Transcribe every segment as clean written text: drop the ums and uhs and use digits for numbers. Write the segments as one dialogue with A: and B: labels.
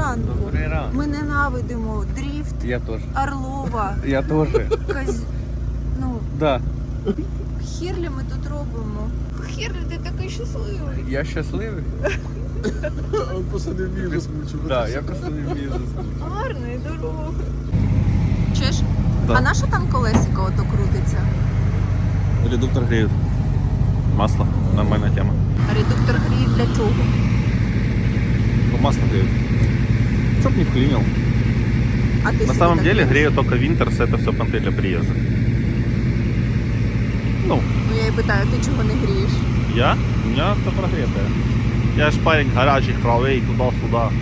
A: ранку.
B: Добрий ранок.
A: Ми ненавидимо дріфт,
B: Я теж.
A: Орлова,
B: Я теж.
A: Ну,
B: Да.
A: хірлі ми тут робимо. Хірлі, ти такий щасливий.
B: Я щасливий.
C: Он просто не вміє засмучувати.
B: Да, я просто не вмію заснути.
A: Гарний дорога. Чеш?
B: Да.
A: А на що там колесико ото крутиться?
B: Редуктор греют. Масло. Нормальная тема.
A: Редуктор гріє для чого?
B: Ну, масло греют. Чтоб не вклинил.
A: А ти
B: На
A: собі
B: самом
A: так
B: деле
A: думаєш?
B: грею только Винтерс, это все понты для приезда. Ну,
A: Ну я і питаю, ти чого не грієш?
B: я? У меня все прогретое. Я ж парень горячий, кровей, туда-сюда.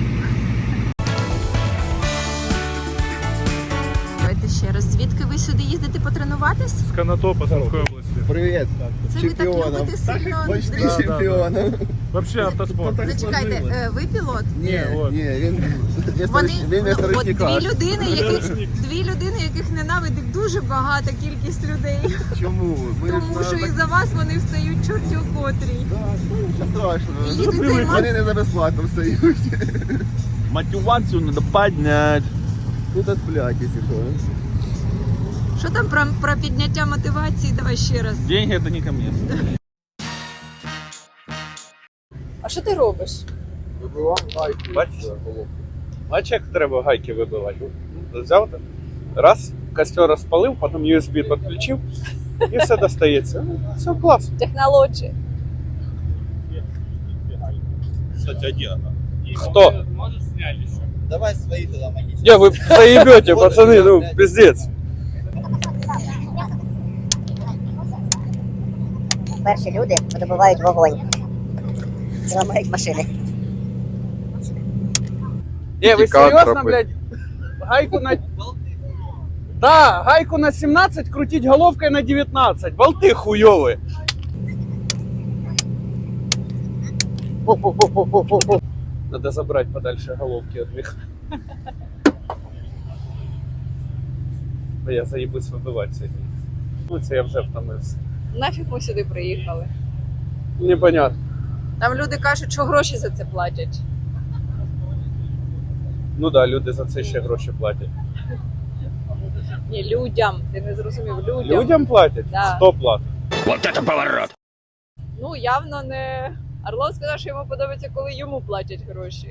A: Давайте ще раз. Звідки ви сюди їздите потренуватись?
D: С Конотопа, Сумской области.
C: Привіт.
A: Це ви так
C: Чемпіоном.
A: любите сильно
C: Почти
A: дріфт?
C: чемпіоном.
D: Вообще автоспорт.
A: Зачекайте, ви пілот?
C: Ні,
D: от.
C: ні, він
A: Вони
C: вмісто
A: от
C: ручника.
A: дві людини, яких ненавидить дуже багата кількість людей.
C: Чому? Ми
A: Тому що із-за вас вони встають чорті у котрій.
C: Нічого страшного.
A: І їдуть займатися.
C: Вони не за безплатно встають.
B: Мотивацию надо поднять.
C: Тут сплять, якщо що.
A: Що там про підняття мотивації? Давай ще раз.
B: Деньги это не ко мне.
A: А що ти робиш?
B: Бачиш? Бачиш, як треба гайки вибивати? Взяв так, раз, костер розпалив, потім USB підключив і все достається. Ну, все класно.
A: Технології.
B: Кстати, один она. Кто?
E: Давай свои туда магические.
B: Не, вы заебете, пацаны, ну, пиздец.
F: Перші люди видобувають вогонь і ламають машини.
B: Не, вы
C: Кантропы.
B: серьезно, блядь? Гайку на... Да, гайку на 17 крутить головкой на 19. Болты хуёвые.
F: Пу-пу-пу-пу-пу-пу.
B: Надо забрать подальше головки от них. Бо я заебусь вибивати сьогодні. Ну, це я вже втомився.
A: Нафіг ми сюди приїхали?
B: Непонятно.
A: Там люди кажуть, що гроші за це платять.
B: Ну да, люди за це ще гроші платять.
A: Ні, людям. Ти не зрозумів, людям.
B: Людям платять?
A: Да.
B: 100 платить.
A: Ну, явно не... Орлов сказав, що йому подобається, коли йому платять гроші.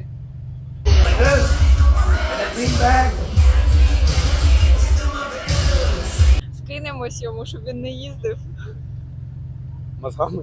A: Скинемось йому, щоб він не їздив.
B: Мозгами.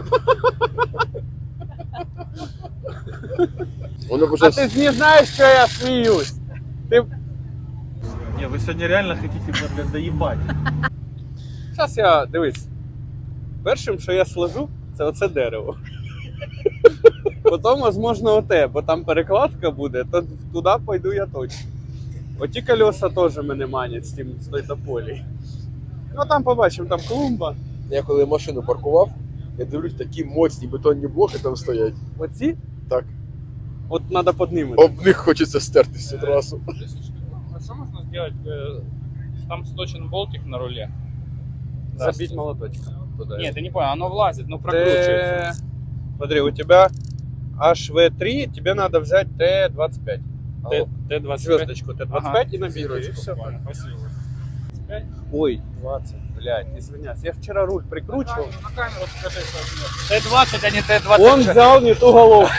C: Воно
B: А ти ж не знаєш, що я сміюсь. Ти... Не, ви сьогодні реально хочете, блядь, доїбати. Зараз я, дивись. Першим, що я сложу, це оце дерево. Потім, можливо, оте, бо там перекладка буде, то туди пойду я точно. Оті колеса теж мене манять з той тополі. Ну там побачимо, там клумба.
C: Я коли машину паркував, я дивлюсь, такі моцні бетонні блоки там стоять.
B: Оці?
C: Так.
B: От треба піднімати.
C: Об них хочеться стертися одразу.
D: А что можно сделать? Там сточен болтик на руле.
B: Забить молоточком туда.
D: Нет, ты не понял, оно влазит, но
B: Т...
D: прокручивается.
B: Смотри, у тебя HV3, тебе надо взять Т25.
D: Т-25.
B: Звездочку Т25
D: Ага.
B: и на бирочку.
D: Зірочку,
B: Все.
D: понял, спасибо.
B: Ой, 20, блядь, извиняюсь. Я вчера руль прикручивал.
D: На камеру скажи, что Т-20, а не Т-20.
B: Он взял не ту головку.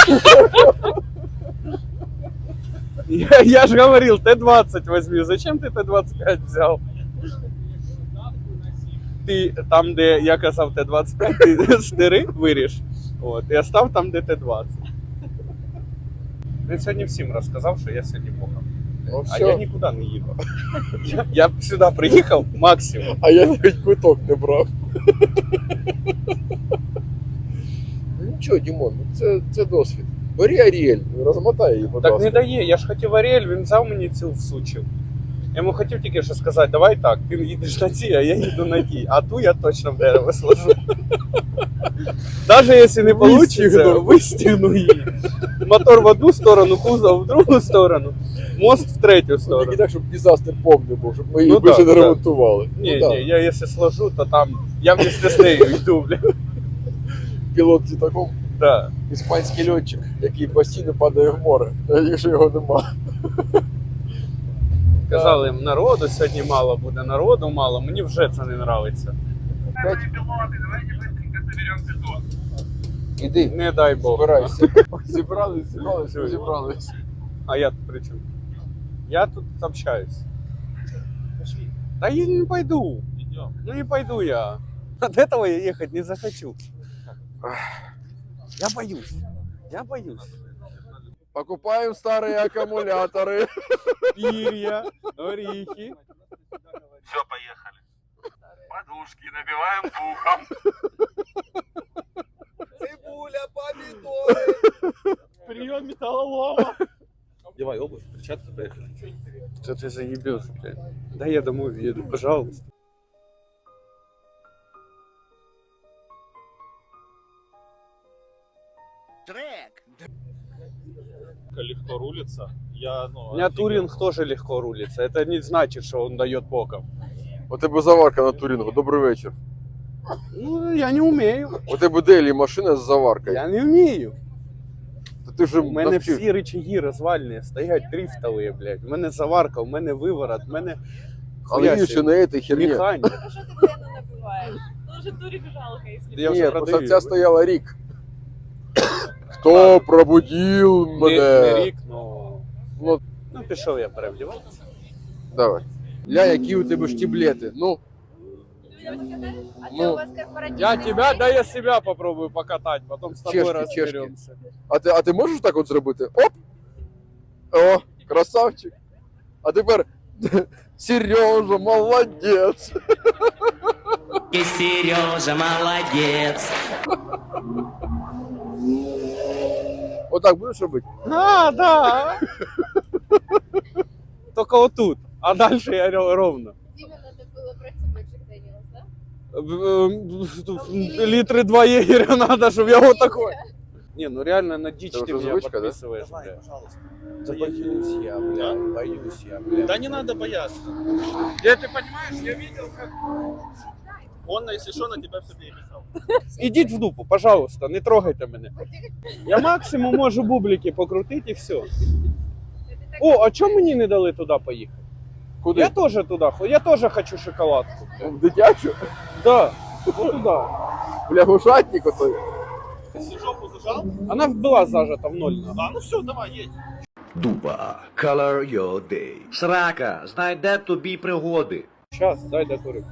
B: Я же говорил, Т-20 возьми. Зачем ты Т-25 взял? Ти там, де я казав Т-25, ти стири виріж. От, і остав там, де Т-20. Він сьогодні всім розказав, що я сьогодні боком.
C: Ну,
B: А
C: все.
B: я нікуди не їхав. Я сюди приїхав максимум.
C: А я навіть квиток не брав. Ну нічого, Дімон, це досвід. Бери Аріель, розмотай її, будь
B: Так
C: ласка.
B: не дає, я ж хотів Аріель, він взяв мені цю всучив. Я йому хотів тільки що сказати, давай так, ти їдеш на ті, а я їду на ті. А ту я точно в дерево сложу. Навіть якщо не вийде, вистігну її. Мотор в одну сторону, кузов в другу сторону, мост в третю
C: Тільки
B: сторону.
C: так, щоб дизастер повний був, щоб ми її
B: Ну
C: більше
B: да,
C: не
B: да.
C: ремонтували.
B: Ні,
C: Ну,
B: ні, я якщо сложу, то там, я вместе з нею йду, бля.
C: Пілот літаком.
B: Да.
C: Іспанський льотчик, який постійно падає в море, якщо його нема.
B: Казали їм, народу сьогодні мало буде, народу мало, мені вже це не подобається.
C: Іди,
B: Не дай Бог.
C: збирайся. Зібрались.
B: А я тут при чому? Я тут общаюсь. Да я не пойду. Ну не пойду я. От этого я ехать не захочу. Я боюсь. Я боюсь.
C: Покупаем старые аккумуляторы.
B: Перья, орехи.
G: Все, поехали. Подушки набиваем пухом.
E: Цибуля, помидоры.
D: Прием металлолома.
G: Девай обувь, перчатки, поехали.
B: Что ты заебешь, блядь? Да я домой еду, пожалуйста.
D: Легко рулится. Я,
B: У меня Туринг тоже легко рулится. Это не значит, что он дает боком.
C: У тебе заварка на Турінгу. Добрий вечір.
B: Ну, я не умею.
C: У тебе Делі машина з заваркою.
B: Я не вмію.
C: Та ти ж
B: У мене
C: навчив.
B: всі рычаги розвальні, стоять дрифтові, блядь. У мене заварка, у мене виворот, у мене
C: Але більше на этой херні.
B: механіка.
A: А що ти ціну набиваєш? Дуже турик жалко, якщо
B: Я вже
C: Ні, просто
B: продаю.
C: ця стояла рік. Хто пробудив
B: Не
C: мене?
B: рік, ну...
C: Ну,
B: Ну, пішов я перевдіватися.
C: давай. Ля, які у тебе штіблети. Ну,
A: А це
C: Ну,
A: у вас корпоративний
B: Я тебя,
A: стиль?
B: да я себя попробую покатать, потом с тобой
C: Чешки,
B: разберемся.
C: а ти можеш так от зробити? Оп! О, красавчик. А тепер Сережа, молодець.
H: Сережа, молодец.
C: Отак будеш робити?
B: А, да. Только вот тут. А дальше я ровно.
A: Діме надо було брати собі Джек Деніелс, да?
B: Литры 2 егеря надо, чтобы я вот такой. Не, ну реально на дичь
C: Это
B: ты
C: уже
B: меня
C: звучка, да?
B: подписываешь,
E: Давай,
B: бля.
E: пожалуйста.
B: Да боюсь я, бля, боюсь я, бля.
D: Да не надо бояться. Ты понимаешь, я видел, как он, если что, на тебя все переписал.
B: Ідіть в дупу, пожалуйста, не трогайте мене. Я максимум можу бублики покрутити і все. О, а чому мені не дали туди поїхати?
C: Куди?
B: Я теж туди, я теж хочу шоколадку.
C: В дитячу?
B: Да, вот туда.
C: Бля, гушатник отой.
D: Если жопу зажал,
B: Она была зажата в ноль.
D: да, ну все, давай, едь.
I: Дуба, color your day. Срака, знайде тобі пригоди.
B: Сейчас, дай докурю.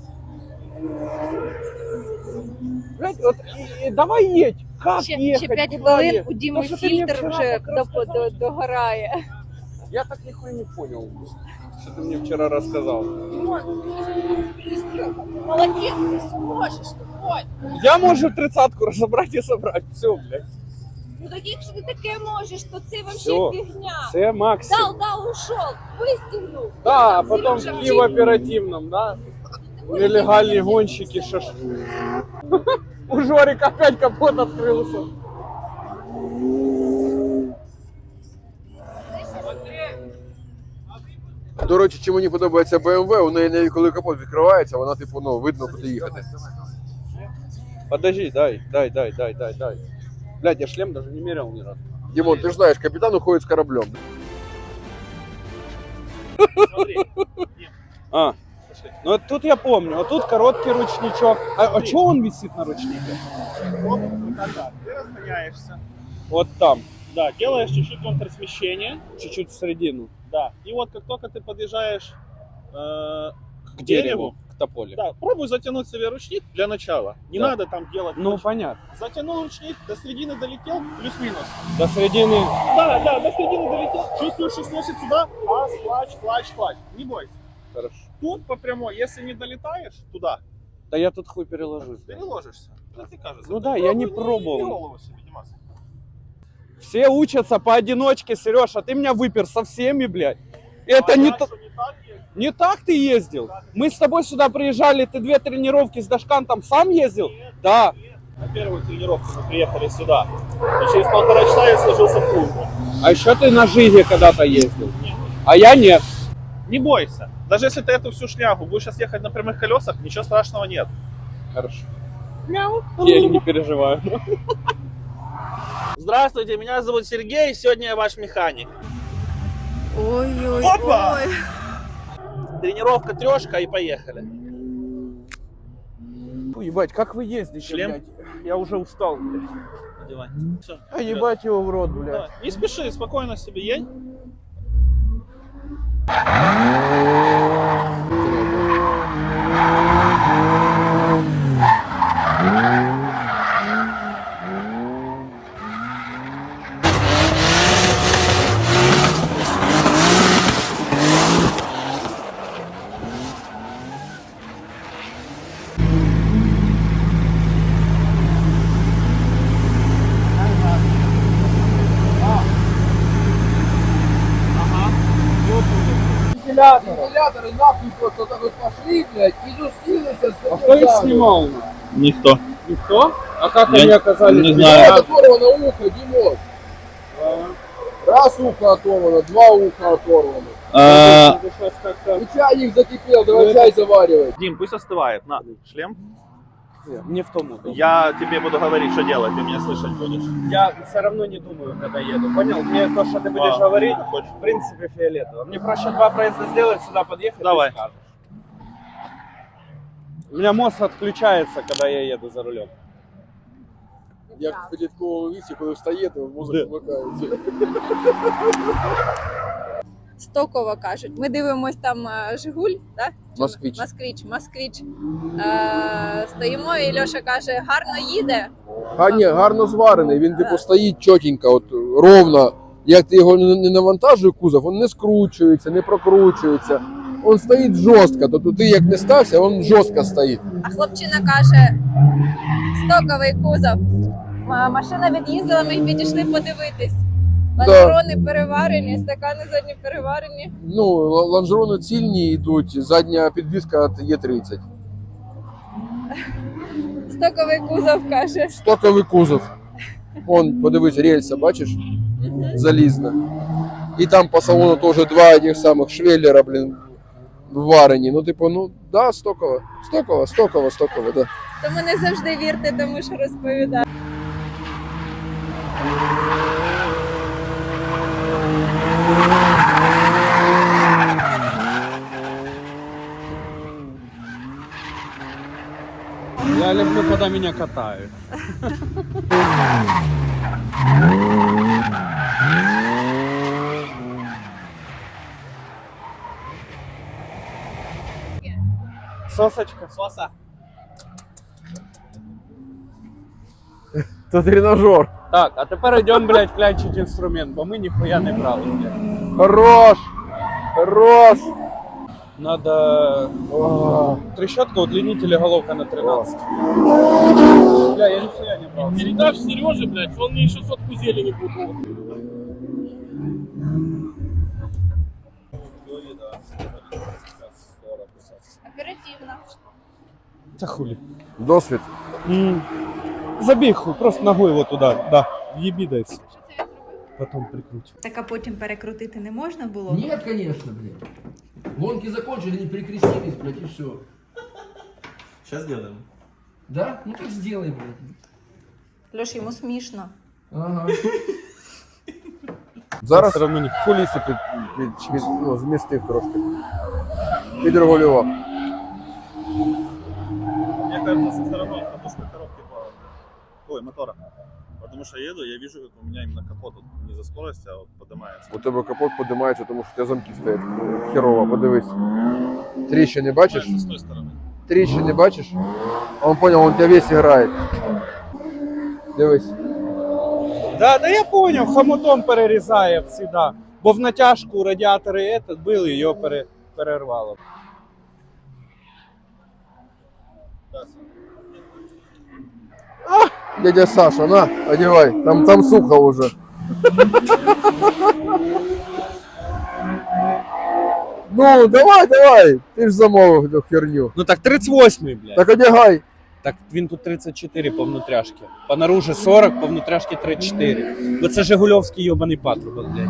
B: Блядь, вот, давай едь. Как
A: Ще
B: ехать?
A: 5
B: Куда
A: хвилин
B: ехать?
A: у Діми
B: Та що ти мені
A: фільтр
B: вчора
A: вже
B: так розказав?
A: догорає.
B: Я так нихуя не понял, что ты мне вчера рассказал.
A: Молодець, ти все можеш, тупой.
B: Я могу 30-ку разобрать и собрать. Все, блядь.
A: Ну так якщо ти таке можеш, то це вообще
B: Всё.
A: фігня.
B: Це максимум.
A: Дал, ушел, выстегнул.
B: Да, а потом в оперативном, да? Нелегальные гонщики, У Жорика опять капот открылся.
C: До речі, чим мені подобається BMW, у неї навіть коли капот відкривається, вона типу, ну, видно, куди їхати.
B: Подожди, дай. Блядь, я шлем даже не мерял ни разу.
C: Дімон, ти ж знаєш, капітан уходить з кораблем.
D: Смотри,
B: А, ну вот тут я помню, а тут короткий ручничок. А чего он висит на ручнике?
D: тогда ты разгоняешься.
B: Вот там,
D: Да, делаешь чуть-чуть контрсмещение.
B: чуть-чуть в середину.
D: Да. И вот как только ты подъезжаешь
B: К дереву, к тополе.
D: да, пробуй затянуть себе ручник для начала. Не
B: Да.
D: надо там делать.
B: Ну, понятно.
D: Затянул ручник, до середины долетел, плюс-минус.
B: До середины.
D: Да, до середины долетел. Чувствуешь, что сносит сюда. Раз, клач. Не бойся.
B: Хорошо.
D: Тут по прямой, если не долетаешь туда,
B: Да я тут хуй переложусь. Да.
D: переложишься. Это ты кажется.
B: Ну
D: Ты
B: да, я не
D: пробуй,
B: пробовал.
D: Не голову себе, Димас.
B: Все учатся поодиночке, Сереж, а ты меня выпер со всеми, блядь. Это не,
D: я
B: то-
D: что, не так есть?
B: не так ты ездил. Мы с тобой сюда приезжали, ты 2 тренировки с Дашкантом сам ездил? Да.
D: На первую тренировку мы приехали сюда. И через 1,5 часа я сложился в клубу.
B: А еще ты на Жиге когда-то ездил. А я нет.
D: Не бойся. Даже если ты эту всю шнягу будешь сейчас ехать на прямых колесах, ничего страшного нет.
B: Хорошо. Я не переживаю.
D: Здравствуйте, меня зовут Сергей, сегодня я ваш механик.
A: Ой-ой-ой.
D: Опа! Тренировка трешка и поехали.
B: Ой, ебать, как вы ездите,
D: Шлем?
B: блядь? Я уже устал, блядь.
D: Надевай. Всё,
B: А
D: вперед.
B: ебать его в рот, блядь.
D: Давай. Не спеши, спокойно себе едь.
C: Вентиляторы нахуй просто так вот пошли, блядь, и застилися.
B: А кто их снимал?
D: Никто.
B: Никто? А как
D: Я
B: они оказались?
D: не
B: без
D: знаю.
B: нас?
C: Оторвано ухо, Димон. Раз ухо оторвано, два уха оторвано.
B: Надо сейчас как-то...
C: И чайник закипел, давай чай заваривать.
D: Дим, пусть остывает. На, шлем.
B: Мне в том удобно.
D: Я тебе буду говорить, что делать, ты меня слышать будешь.
B: Я все равно не думаю, когда еду. Понял? Мне то, что ты будешь говорить,
D: хочешь.
B: в принципе, фиолетово. Мне проще 2 проезда сделать, сюда подъехать
D: Давай.
B: и скажешь. У меня мозг отключается, когда я еду за рулем.
C: Як в підлітковому віці, коли встає, то мозок вмикається.
A: Стоково кажуть. Ми дивимось там Жигуль, да?
C: Москвич.
A: Москвич. Стоїмо, і Льоша каже, гарно їде.
C: А ні, гарно зварений, він типу стоїть чотенько, от ровно. Як ти його не навантажуєш кузов, він не скручується, не прокручується. Він стоїть жорстко, тобто ти як не стався, він жорстко стоїть.
A: А хлопчина каже, стоковий кузов. Машина від'їздила, ми підійшли подивитись. Лонжерони переварені, стакани задні переварені.
C: Ну, лонжерони цільні йдуть, задня підвіска от Е30.
A: Стоковий кузов каже.
C: Стоковий кузов. Вон, подивись, рельса, бачиш? Залізна. І там по салону теж два этих самих швеллера, блін, варені. Ну, типу, ну, да, стоково. Стоково, да.
A: Тому не завжди вірте тому, що розповідає.
B: Я люблю, когда меня катают. Сосочка.
D: Соса.
C: Це тренажер.
B: Так, а тепер йдемо, блядь, клянчить інструмент, бо ми ніхуя не брали, блядь.
C: Хорош.
B: Надо
C: О,
B: трещотка, удлинитель и головка на 13. Бля, я нихуя не брал.
E: Передашь Сереже, блядь, он мне еще сотку зелени купил.
A: Оперативно.
B: Да хули.
C: досвід.
B: Забей хуй, просто ногой вот туда, да, еби дайся. Потом прикруть.
A: Так а потім перекрутити не можна було?
C: Нет, конечно, блин. Гонки закончили, не перекрестились, блядь, и все.
D: Сейчас сделаем.
C: Да? Ну так сделай, блядь.
A: Льош, йому смішно.
C: Ага. Зараз
B: Все равно не...
C: куліси змістив трошки. Підрегулював.
D: Мне кажется, со стороны подушка коробки ой, мотора. Потому что я еду, я вижу, как у меня именно капот вот не за скорость, а вот поднимается.
C: У тебе капот підіймається, тому що у тебе замки стоять. Херово, подивись. Тріщини бачиш?
D: С той стороны.
C: Тріщини бачиш? А он понял, он тебя весь грає. Дивись.
B: Да, да я понял, хомутом перерізає всегда. Бо в натяжку радіатори этот били, його перервало.
C: Дядя Саша, на, одевай. Там сухо уже. Ну, давай. Ти ж замовив цю херню.
B: Ну так 38-й, блядь.
C: Так одягай.
B: Так він тут 34 по внутряшки. По наружі 40, по внутряшки 34. Бо це Жигульовський йобаний патрубок, блядь.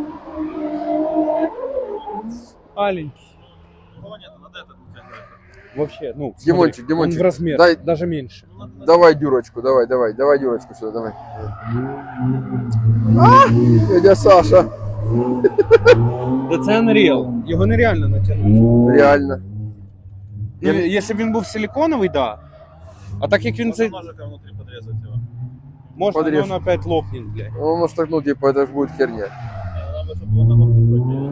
B: Маленький.
D: Кого нет, надо этот.
B: Вообще, ну, смотри,
C: Димончик,
B: он
C: Димончик,
B: в размер,
C: дай-
B: даже меньше.
C: Давай дюрочку, давай дюрочку сюда, давай. Дядя Саша,
B: Да це Unreal. Його нереально натягнути.
C: реально.
B: Ну, якщо б він був силиконовий, да. А так як він
D: Можно
B: це
D: ножиком внутри подрезать его.
B: можна,
C: Подріж.
B: то він опять лопнет, блядь.
C: Он может так, ну, типа, это же будет херня.
D: Надо, чтобы его на ногти хватило.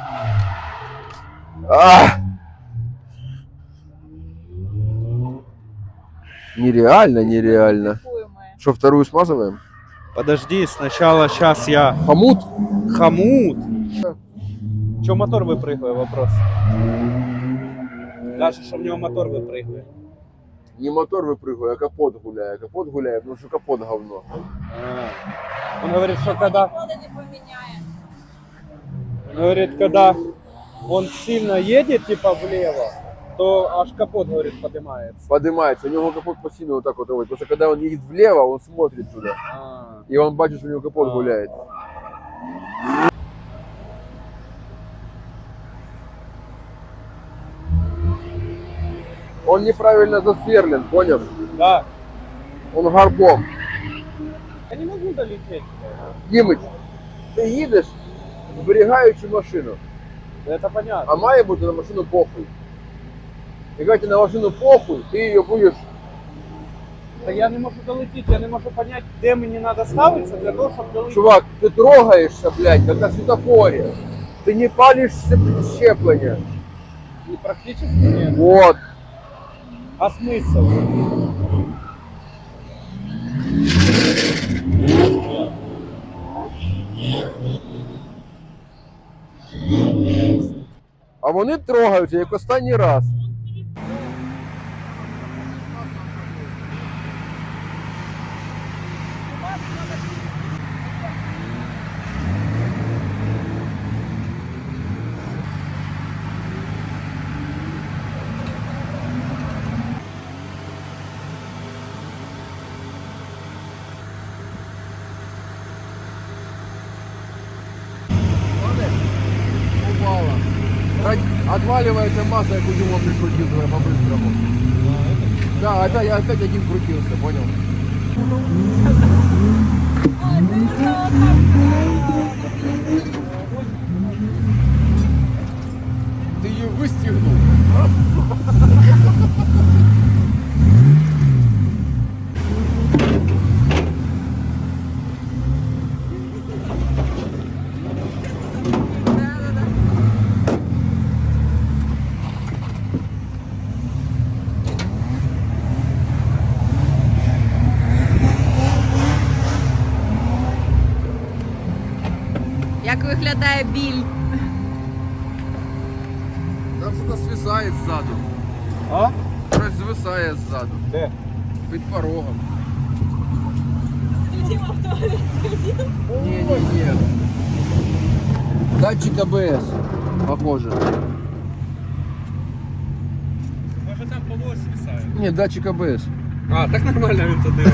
C: Нереально, нереально. Что, вторую смазываем?
B: Подожди, сначала сейчас я...
C: Хомут?
B: Хомут? Че мотор выпрыгивает, вопрос. Даже что в него мотор выпрыгивает.
C: Не мотор выпрыгиваю, а капот гуляю. Капот гуляю, потому что капот говно.
B: Он говорит, что когда... Он говорит, когда он сильно едет, типа, влево, то аж капот, говорит, поднимается.
C: Поднимается, у него капот постійно вот так вот ровит. Просто когда он едет влево, он смотрит туда. И он бачит, что у него капот гуляет. Он неправильно засверлен, понял?
B: Да.
C: Он горбом.
B: Я не могу долететь.
C: Дімич, ти їдеш, зберігаючи машину,
B: Это понятно.
C: а має бути на машину похуй. Якщо ти на машину похуй, ти її будеш...
B: Да я не могу долететь, я не могу понять, где мне надо ставиться для того, чтобы долететь.
C: Чувак, ти трогаєшся, блядь, як на світофорі. Ти не палиш щеплення.
B: И практически нет.
C: Вот.
B: А смысл?
C: А вони трогаються, як останній раз. Упала. Отваливается масса, як у него прикрутил туда по-быстрому. Да, опять один крутился, понял? Ты ее выстегнул.
A: Як виглядає біль?
C: Там что-то свисает сзаду.
B: А?
C: Щось звисає ззаду.
B: Де?
C: Під порогом. Не. Датчик АБС. Похоже.
B: Може там полос свисає.
C: Не, датчик АБС.
B: А, так нормально він туди.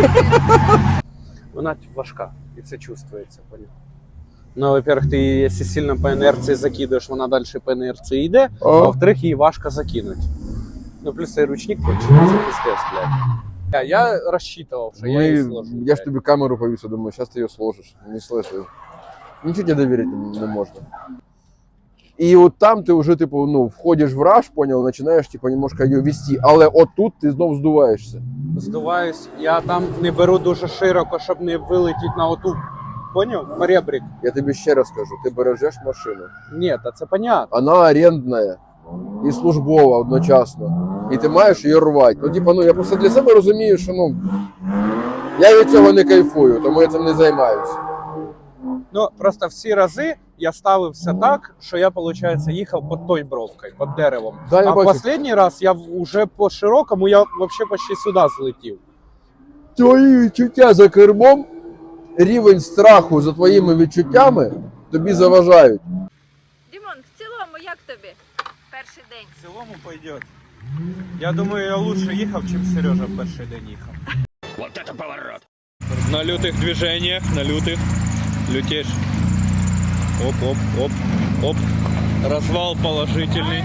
B: Вона важка, і це чувствується, поняв. Ну, во-первых, ти її, якщо сильно по інерції закидаєш, вона далі по інерції йде, а во-вторых, її важко закинути. Ну, плюс цей ручник кончений, це пиздец, блядь. Я рассчитывал, что я її сложу.
C: Я ж тобі камеру повісив, думаю, зараз ти її сложиш. Не слышу. Нічого тебе довірити не можна. І от там ти вже, типу, ну, входиш в раж, понял, починаєш, типу, немножко її вести, але отут ти знов здуваєшся.
B: Здуваюсь, я там не беру дуже широко, щоб не вилетіти на оту, поняв, поребрик.
C: Я тобі ще раз кажу, ти бережеш машину.
B: Ні, та це понятно.
C: Вона орендна і службова одночасно. І ти маєш її рвати. Ну, типу, ну, я просто для себе розумію, що, ну, я від цього не кайфую, тому я цим не займаюся.
B: Ну, просто всі рази я ставився так, що я, виходить, їхав під той бровкою, під деревом.
C: Да, я
B: а в
C: бачу.
B: останній раз я вже по широкому, я взагалі почти сюди злетів.
C: Твої відчуття за кермом, рівень страху за твоїми відчуттями тобі заважають.
A: Дімон, в цілому, як тобі перший день?
B: В цілому пойдет. Я думаю, я лучше їхав, чим Сережа в перший день їхав.
H: Вот это поворот!
B: На лютих движениях, на лютих. Лютиш. Оп, оп, оп, оп. Развал положительный.